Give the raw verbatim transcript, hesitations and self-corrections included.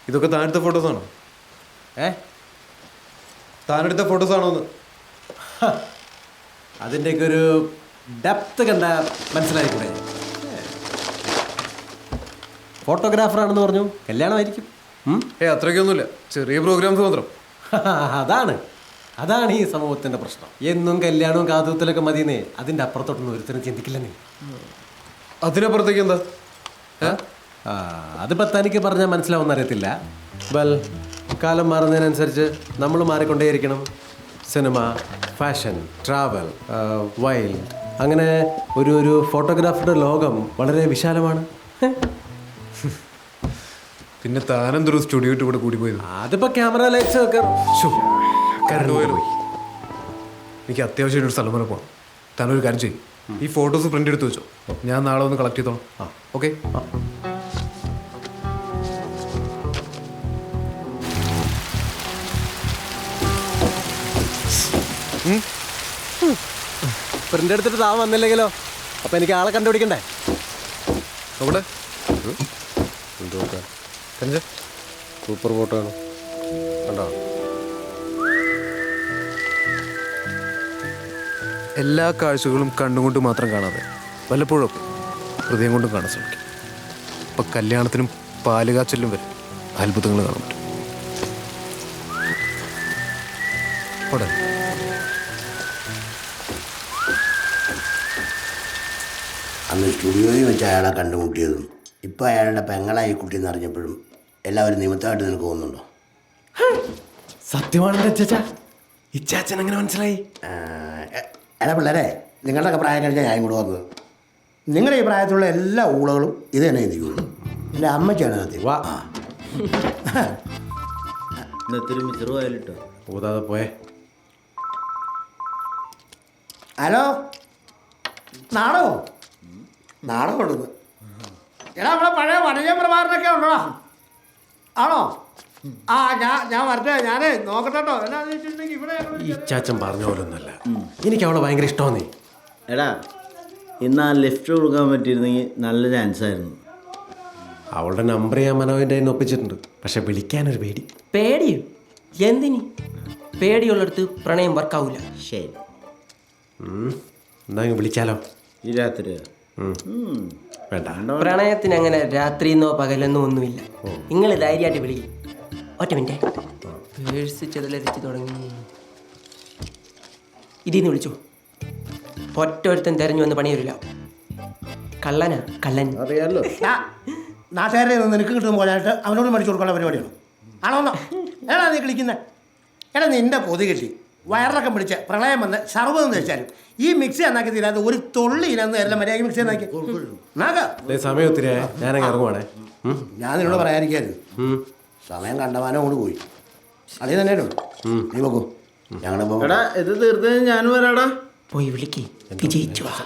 ഇതൊക്കെ താനെടുത്ത ഫോട്ടോസാണോ? ഏ താനെടുത്ത ഫോട്ടോസാണോ എന്ന്? അതിൻ്റെയൊക്കെ ഒരു ഡെപ്ത് കണ്ട മനസ്സിലായിക്കൂടെ? ഫോട്ടോഗ്രാഫറാണെന്ന് പറഞ്ഞു, കല്യാണമായിരിക്കും. ഏ അത്രയ്ക്കൊന്നുമില്ല, ചെറിയ പ്രോഗ്രാംസ് മാത്രം. അതാണ് അതാണ് ഈ സമൂഹത്തിൻ്റെ പ്രശ്നം. എന്നും കല്യാണവും കാതുകുത്തലൊക്കെ മതിയെന്നേ, അതിൻ്റെ അപ്പുറത്തോട്ടൊന്നും ഒരുത്തരും ചിന്തിക്കില്ലെന്നേ. അതിനപ്പുറത്തേക്ക് എന്താ? ആ അതിപ്പോൾ തനിക്ക് പറഞ്ഞാൽ മനസ്സിലാവുമെന്ന് അറിയത്തില്ല. വെൽ, കാലം മാറുന്നതിനനുസരിച്ച് നമ്മൾ മാറിക്കൊണ്ടേയിരിക്കണം. സിനിമ, ഫാഷൻ, ട്രാവൽ, വൈൽഡ്, അങ്ങനെ ഒരു ഒരു ഫോട്ടോഗ്രാഫറുടെ ലോകം വളരെ വിശാലമാണ്. പിന്നെ താനെന്തൊരു സ്റ്റുഡിയോ ഇട്ട് ഇവിടെ കൂടി പോയത്? അതിപ്പോൾ ക്യാമറ ലൈറ്റ്സ് ഒക്കെ കറണ്ട് പോയാലോ? എനിക്ക് അത്യാവശ്യമായിട്ട് ഒരു സ്ഥലം വരെ പോകണം. താനൊരു കാര്യം ചെയ്യും, ഈ ഫോട്ടോസ് പ്രിന്റ് എടുത്ത് വെച്ചോ, ഞാൻ നാളെ ഒന്ന് കളക്ട് ചെയ്തോളാം. ആ ഓക്കെ. പ്രിന്റ് എടുത്തിട്ട് താൻ വന്നില്ലെങ്കിലോ? അപ്പം എനിക്ക് ആളെ കണ്ടുപിടിക്കണ്ടേ? അവിടെ സൂപ്പർ ഫോട്ടോ ആണ് കണ്ടോ? എല്ലാ കാഴ്ചകളും കണ്ണുകൊണ്ട് മാത്രം കാണാതെ വല്ലപ്പോഴും ഹൃദയം കൊണ്ടും കാണാൻ ശ്രമിക്കും. ഇപ്പം കല്യാണത്തിനും പാലുകാച്ചലിനും വരെ അത്ഭുതങ്ങൾ കാണാൻ പറ്റും. അവിടെ അന്ന് സ്റ്റുഡിയോയിൽ വെച്ച് അയാളെ കണ്ടുമുട്ടിയതും ഇപ്പം അയാളുടെ പെങ്ങളായി കുട്ടിയെന്ന് അറിഞ്ഞപ്പോഴും എല്ലാവരും നിമിത്തമായിട്ട് നിനക്ക് തോന്നുന്നുണ്ടോ? സത്യമാണെന്ന് അച്ചാച്ചാ, ഇച്ചാച്ചൻ എങ്ങനെ മനസ്സിലായി? എടാ പിള്ളേരെ, നിങ്ങളുടെയൊക്കെ പ്രായം കഴിഞ്ഞാൽ ഞാൻ ഇങ്ങോട്ട് വന്നത്. നിങ്ങളുടെ ഈ പ്രായത്തിലുള്ള എല്ലാ ഊളകളും ഇത് തന്നെ ചിന്തിക്കുള്ളൂ. എൻ്റെ അമ്മയ്ക്കാണ് സത്യം. വാ ഇന്നത്തെ മിച്ചറുമായിട്ടോ പോതാതെ പോയേ. ഹലോ, നാടകമോ? നാടകം ഉണ്ടെന്ന്. എടാ നമ്മളെ പഴയ വടകേ പ്രഭാകരനൊക്കെ ഉണ്ടോടാ? ആണോ? ആ ഞാൻ ഞാൻ വരട്ടെ, ഞാനേ നോക്കട്ടെ കേട്ടോ. എന്നാന്ന് വെച്ചിട്ടുണ്ടെങ്കിൽ ഇവിടെ ഈ ചാച്ചൻ പറഞ്ഞ പോലെ ഒന്നല്ല, എനിക്ക് അവളെ ഭയങ്കര ഇഷ്ടമാന്നേ. എടാ, ഇന്ന് ആ ലിഫ്റ്റ് കൊടുക്കാൻ പറ്റിയിരുന്നെങ്കിൽ നല്ല ചാൻസ് ആയിരുന്നു. അവളുടെ നമ്പർ ഞാൻ മനോവിൻ്റെ കയ്യിൽ നിന്ന് ഒപ്പിച്ചിട്ടുണ്ട്, പക്ഷെ വിളിക്കാനൊരു പേടി. പേടിയോ? എന്തിനി? പേടിയുള്ളിടത്ത് പ്രണയം വർക്കാവൂല. ശരി, എന്നാ വിളിച്ചാലോ? ഈ രാത്രി വേണ്ട, പ്രണയത്തിന് അങ്ങനെ രാത്രിന്നോ പകലെന്നോ ഒന്നുമില്ല. നിങ്ങൾ ധൈര്യമായിട്ട് വിളിക്കും. ഒറ്റ മിനിറ്റ്, പേഴ്സ് ചെതലരിച്ച് തുടങ്ങി. ഇതിന്ന് വിളിച്ചു. ഒറ്റ ഒരുത്തൻ തെരഞ്ഞു വന്ന് പണി വരില്ല. കള്ളനാ കള്ളൻ. അറിയാലോ. നാട്ടുകാരെ നിനക്ക് കിട്ടുന്ന പോലായിട്ട് അവനോട് മേടിച്ചു കൊടുക്കാനുള്ള പരിപാടിയാണ്. ആണോന്നോ? ഏടാ നീ കളിക്കുന്നത്? എടാ നിന്റെ കൊതി കിട്ടി വയറിളക്കം പിടിച്ച് പ്രളയം വന്ന് സർവ്വതെന്ന് വെച്ചാലും ഈ മിക്സി എന്നാക്കി തീരാതെ ഒരു തൊള്ളി ഇനന്ന് എല്ലാം മര്യാദ മിക്സി എന്നാക്കി സമയം ഒത്തിരി ഞാനങ്ങ് ഇറങ്ങുവാണേ. ഞാൻ നിന്നോട് പറയാതിരിക്കായിരുന്നു. സമയം കണ്ടമാനം കൊണ്ട് പോയി. അതേ തന്നെയല്ലോ. നീ നോക്കൂ, ഞങ്ങളുടെ എടാ ഇത് തീർത്ത് ഞാൻ വരാടാ. പോയി വിളിക്ക്, വിജയിച്ചു.